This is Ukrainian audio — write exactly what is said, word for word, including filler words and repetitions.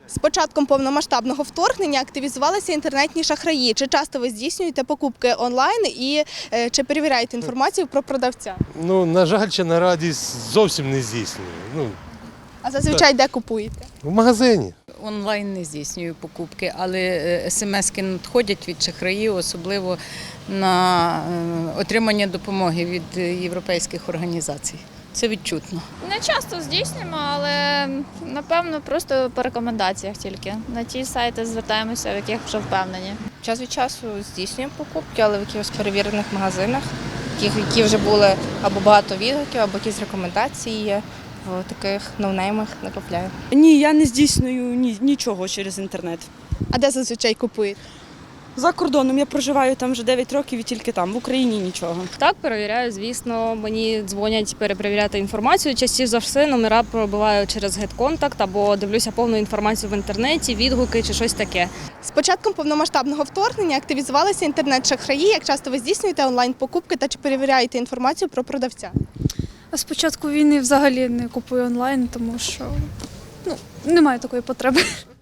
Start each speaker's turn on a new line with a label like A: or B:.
A: З початком повномасштабного вторгнення активізувалися інтернетні шахраї. Чи часто ви здійснюєте покупки онлайн і е, чи перевіряєте інформацію про продавця?
B: Ну, на жаль, чи на радість зовсім не здійснюю. Ну,
A: А зазвичай де купуєте?
B: в магазині.
C: Онлайн не здійснюю покупки, але смски надходять від шахраїв, особливо на е, отримання допомоги від європейських організацій. Це відчутно.
D: Не часто здійснюємо, але напевно просто по рекомендаціях тільки. На ті сайти звертаємося, в яких вже впевнені.
E: Час від часу здійснюємо покупки, але в якихось перевірених магазинах, яких- які вже були або багато відгуків, або якісь рекомендації є. В таких ноунеймах не купляю.
F: Ні, я не здійснюю ні, нічого через інтернет.
A: А де зазвичай купуєте?
F: За кордоном я проживаю там вже дев'ять років і тільки там, в Україні нічого.
G: Так, перевіряю, звісно. Мені дзвонять перепровіряти інформацію. Частіше за все номера пробиваю через GetContact або дивлюся повну інформацію в інтернеті, відгуки чи щось таке.
A: З початком повномасштабного вторгнення активізувалися інтернет-шахраї. Як часто ви здійснюєте онлайн-покупки та чи перевіряєте інформацію про продавця?
H: А з початку війни взагалі не купую онлайн, тому що ну, немає такої потреби.